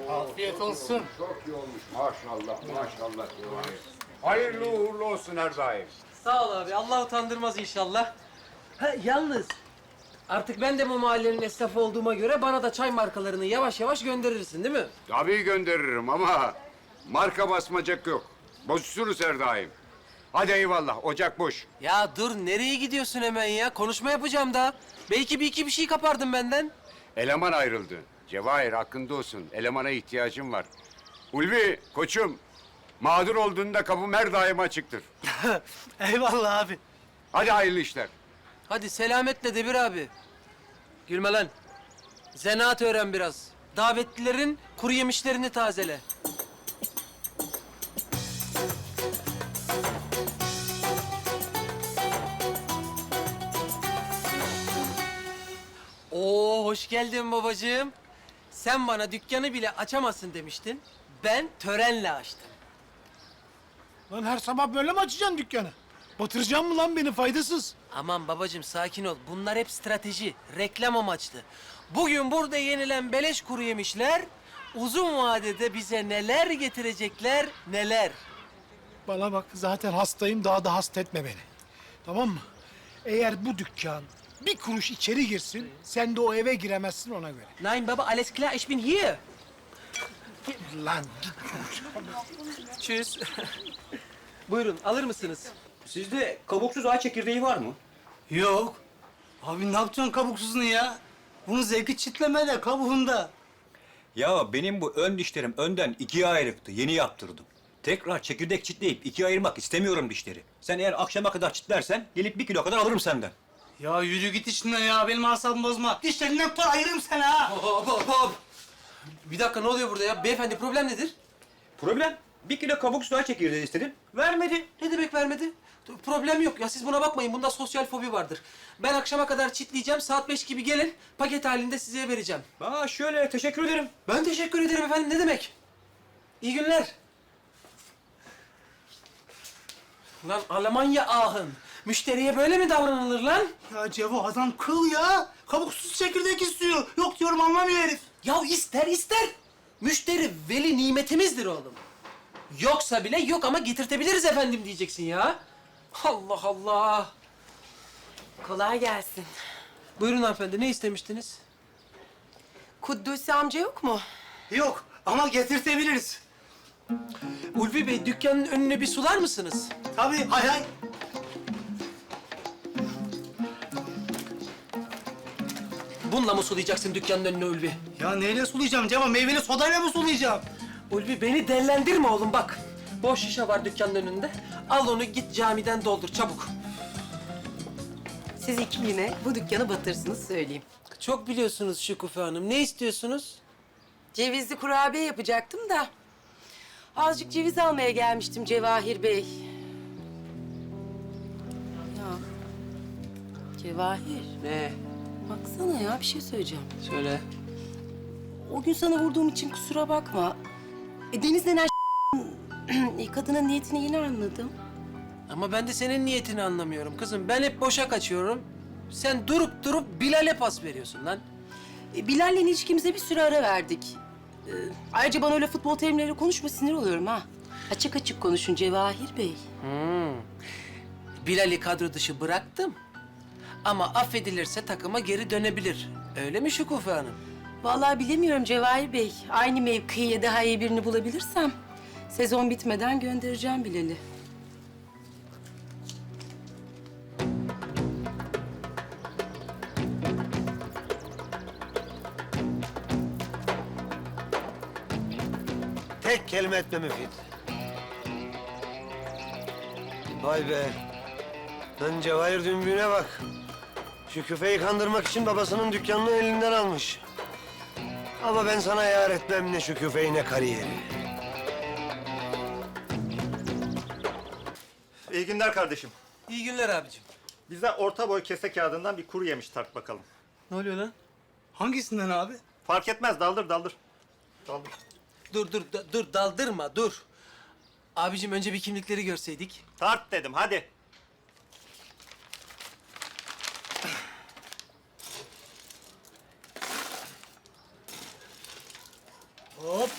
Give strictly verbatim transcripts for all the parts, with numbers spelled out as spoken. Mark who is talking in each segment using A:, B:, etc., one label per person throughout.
A: Afiyet olsun.
B: Çok iyi olmuş. Maşallah, maşallah. Hayırlı uğurlu olsun her daim.
C: Sağ ol abi. Allah utandırmaz inşallah. Ha, yalnız artık ben de bu mahallenin esnafı olduğuma göre bana da çay markalarını yavaş yavaş gönderirsin değil mi?
B: Tabii gönderirim ama marka basmacak yok. Bozuşuruz her daim. Hadi eyvallah, ocak boş.
C: Ya dur nereye gidiyorsun hemen ya? Konuşma yapacağım da. Belki bir iki bir şey kapardın benden.
B: Eleman ayrıldı. Cevahir hakkında olsun. Elemana ihtiyacım var. Ulvi, koçum. Mağdur olduğunda kapım her daim açıktır.
D: Eyvallah abi.
B: Hadi hayırlı işler.
C: Hadi selametle Debir abi. Gülme lan. Zanaat öğren biraz. Davetlilerin kuru yemişlerini tazele. Oo, hoş geldin babacığım. Sen bana dükkanı bile açamazsın demiştin. Ben törenle açtım.
D: Lan her sabah böyle mi açacaksın dükkanı? Batıracaksın mı lan beni faydasız?
C: Aman babacığım sakin ol. Bunlar hep strateji, reklam amaçlı. Bugün burada yenilen beleş kuru yemişler uzun vadede bize neler getirecekler, neler.
D: Bana bak zaten hastayım daha da hasta etme beni. Tamam mı? Eğer bu dükkan bir kuruş içeri girsin sen de o eve giremezsin ona göre.
C: Nein baba, alles klar, ich bin hier.
D: Lan
C: Tschüss. Buyurun, alır mısınız?
E: Sizde kabuksuz ağaç çekirdeği var mı?
F: Yok. Abi ne yapacaksın kabuksuzunu ya? Bunun zevki çitlemede, kabuğunda.
E: Ya benim bu ön dişlerim önden ikiye ayrıktı. Yeni yaptırdım. Tekrar çekirdek çitleyip ikiye ayırmak istemiyorum dişleri. Sen eğer akşama kadar çitlersen gelip bir kilo kadar alırım senden.
F: Ya yürü git işinden ya, benim asabımı bozma. Dişlerinden tutar ayırırım seni ha.
C: Hop hop hop. Bir dakika ne oluyor burada ya? Beyefendi problem nedir?
E: Problem? Bir kilo kabuksuz ağaç çekirdeği istedim. Vermedi.
C: Ne demek vermedi? Problem yok ya, siz buna bakmayın. Bunda sosyal fobi vardır. Ben akşama kadar çitleyeceğim, saat beş gibi gelin. Paket halinde size vereceğim.
E: Aa şöyle teşekkür ederim.
C: Ben teşekkür ederim efendim, ne demek? İyi günler. Lan Almanya ahın. Müşteriye böyle mi davranılır lan?
F: Ya Cevo adam kıl ya. Kabuksuz çekirdek istiyor. Yok diyorum anlamıyor herif.
C: Ya ister ister. Müşteri veli nimetimizdir oğlum. Yoksa bile yok ama getirtebiliriz efendim diyeceksin ya. Allah Allah.
G: Kolay gelsin.
C: Buyurun hanımefendi, ne istemiştiniz?
G: Kuddusi amca yok mu?
F: Yok ama getirtebiliriz.
C: Ulvi Bey, dükkanın önüne bir sular mısınız?
F: Tabii hay hay.
C: Bununla mı sulayacaksın dükkanın önüne Ulvi?
F: Ya neyle sulayacağım Cevo? Meyveli sodayla mı sulayacağım?
C: Ulvi beni dellendirme oğlum bak. Boş şişe var dükkanın önünde. Al onu git camiden doldur çabuk.
G: Siz iki yine bu dükkanı batırsınız söyleyeyim.
C: Çok biliyorsunuz Şükufe Hanım. Ne istiyorsunuz?
G: Cevizli kurabiye yapacaktım da. Azıcık ceviz almaya gelmiştim Cevahir Bey. Ya Cevahir
C: Ne?
G: baksana ya bir şey söyleyeceğim.
C: Söyle.
G: O gün sana vurduğum için kusura bakma. E, Deniz denen kadının niyetini yine anladım.
C: Ama ben de senin niyetini anlamıyorum kızım. Ben hep boşa kaçıyorum. Sen durup durup Bilal'e pas veriyorsun lan.
G: E, Bilal'le ilişkimize bir süre ara verdik. E, ayrıca bana öyle futbol terimleriyle konuşma sinir oluyorum ha. Açık açık konuşun Cevahir Bey.
C: Hmm. Bilal'i kadro dışı bıraktım. Ama affedilirse takıma geri dönebilir. Öyle mi Şükufe Hanım?
G: Vallahi bilemiyorum Cevahir Bey. Aynı mevkiye daha iyi birini bulabilirsem sezon bitmeden göndereceğim Bilal'i.
H: Tek kelime etme Müfit. Vay be. Lan Cevahir dümbüğüne bak. Şu küfeyi kandırmak için babasının dükkanını elinden almış. Ama ben sana yar etmem ne şu küfeyi ne kariyeri.
I: İyi günler kardeşim.
C: İyi günler abicim.
I: Bize orta boy kese kağıdından bir kuru yemiş tart bakalım.
C: Ne oluyor lan?
F: Hangisinden abi?
I: Fark etmez, daldır daldır. Daldır.
C: Dur dur da- dur daldırma dur. Abicim önce bir kimlikleri görseydik.
I: Tart dedim, hadi.
F: Hop.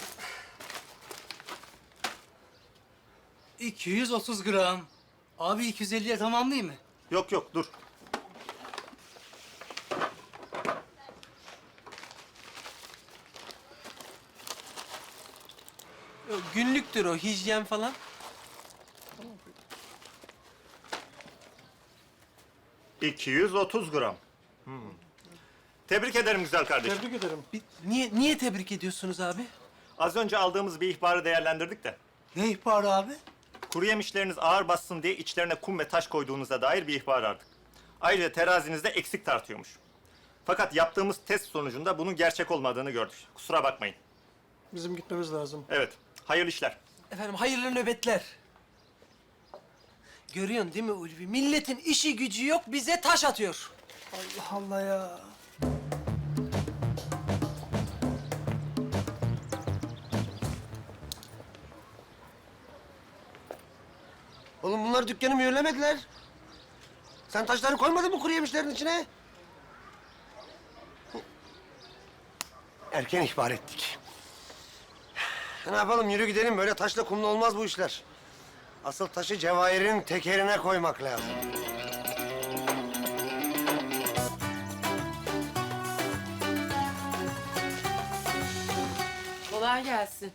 F: iki yüz otuz gram. Abi iki yüz elliye tamam değil mi?
I: Yok yok dur.
C: Yo, günlüktür o, hijyen falan.
I: iki yüz otuz gram. Hmm. Tebrik ederim güzel kardeşim.
C: Bir- niye, niye tebrik ediyorsunuz abi?
I: Az önce aldığımız bir ihbarı değerlendirdik de.
F: Ne ihbarı abi?
I: Kuru yemişleriniz ağır bassın diye içlerine kum ve taş koyduğunuza dair bir ihbar aldık. Ayrıca terazinizde eksik tartıyormuş. Fakat yaptığımız test sonucunda bunun gerçek olmadığını gördük. Kusura bakmayın.
H: Bizim gitmemiz lazım.
I: Evet, hayırlı işler.
C: Efendim hayırlı nöbetler. Görüyorsun değil mi Ulvi? Milletin işi gücü yok, bize taş atıyor.
F: Allah Allah ya.
H: Oğlum bunlar dükkanı mühürlemediler. Sen taşları koymadın mı kuru yemişlerin içine? Erken ihbar ettik. Ne yapalım, yürü gidelim. Böyle taşla kumla olmaz bu işler. Asıl taşı Cevahir'in tekerine koymak lazım.
G: Kolay gelsin.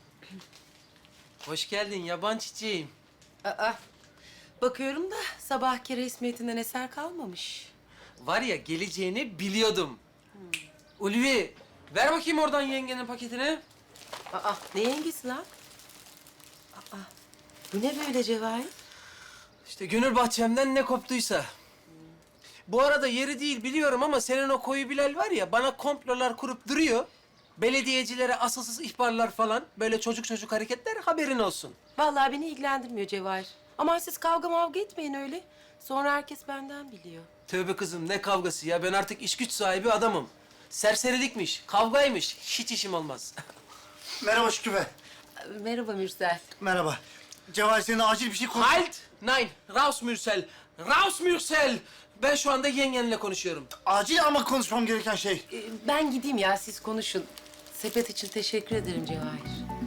C: Hoş geldin yaban çiçeğim.
G: Aa, bakıyorum da sabahki resmiyetinden eser kalmamış.
C: Var ya geleceğini biliyordum. Ulvi, ver bakayım oradan yengenin paketini.
G: Aa, ne yengesi lan? Aa, bu ne böyle Cevahir?
C: İşte gönül bahçemden ne koptuysa. Bu arada yeri değil biliyorum ama senin o koyu Bilal var ya bana komplolar kurup duruyor. Belediyecilere asılsız ihbarlar falan, böyle çocuk çocuk hareketler haberin olsun.
G: Vallahi beni ilgilendirmiyor Cevahir. Aman siz kavga mavga etmeyin öyle. Sonra herkes benden biliyor.
C: Tövbe kızım ne kavgası ya, ben artık iş güç sahibi adamım. Serserilikmiş, kavgaymış, hiç işim olmaz.
F: Merhaba Şükrü Bey.
G: Merhaba Mürsel.
F: Merhaba. Cevahir seninle acil bir şey konuş...
C: Halt! Nein, raus Mürsel, raus Mürsel! Ben şu anda yengenle konuşuyorum.
F: Acil ama konuşmam gereken şey.
G: Ee, ben gideyim ya siz konuşun. Sepet için teşekkür ederim Cevahir.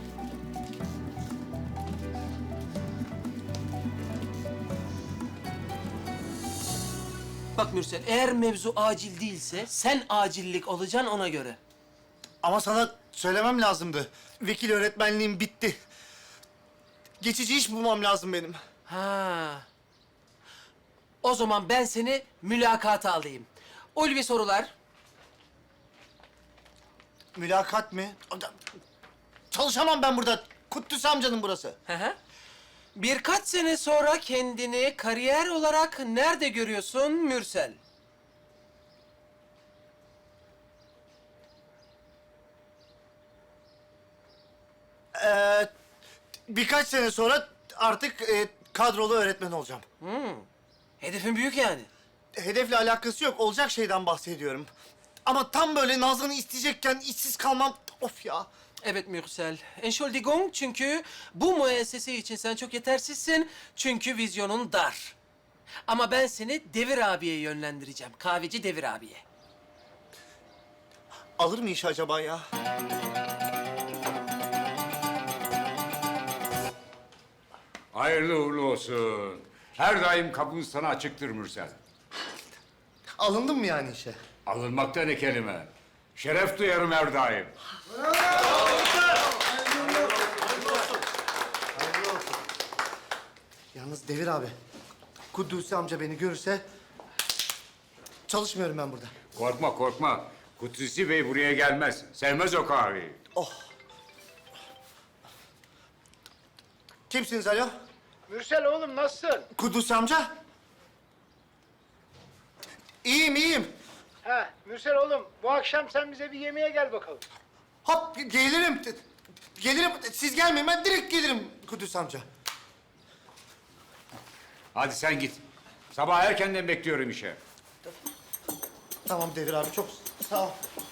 C: Bak Mürsel, eğer mevzu acil değilse sen acillik olacaksın ona göre.
F: Ama sana söylemem lazımdı. Vekil öğretmenliğim bitti. Geçici iş bulmam lazım benim.
C: Ha. O zaman ben seni mülakata alayım. Ulvi sorular.
F: Mülakat mı? Çalışamam ben burada. Kuddüs amcanın burası.
C: Hı hı. Birkaç sene sonra kendini kariyer olarak nerede görüyorsun Mürsel?
F: Ee, birkaç sene sonra artık e, kadrolu öğretmen olacağım.
C: Hedefin büyük yani.
F: Hedefle alakası yok. Olacak şeyden bahsediyorum. Ama tam böyle Nazlı'nı isteyecekken işsiz kalmam... Of ya.
C: Evet Mürsel. Entschuldigung çünkü bu müessese için sen çok yetersizsin. Çünkü vizyonun dar. Ama ben seni Devir abiye yönlendireceğim. Kahveci Devir abiye.
F: Alır mı iş acaba ya?
B: Hayırlı uğurlu olsun. Her daim kapımız sana açıktır Mürsel.
F: Alındım mı yani işe?
B: Alınmakta ne kelime. Şeref duyarım her daim.
F: Yalnız Devir abi, Kudüs'ü amca beni görürse... çalışmıyorum ben burada.
B: Korkma korkma. Kutlusi Bey buraya gelmez. Sevmez o kahveyi.
F: Oh. Kimsiniz alo?
D: Mürsel oğlum nasılsın?
F: Kudüs amca. İyiyim, iyiyim.
D: Ha Mürsel oğlum bu akşam sen bize bir yemeğe gel bakalım.
F: Hop, gelirim. Gelirim. Siz gelmeyin, ben direkt gelirim Kudüs amca.
B: Hadi sen git. Sabah erkenden bekliyorum işe.
F: Tamam Devir abi, çok sağ ol.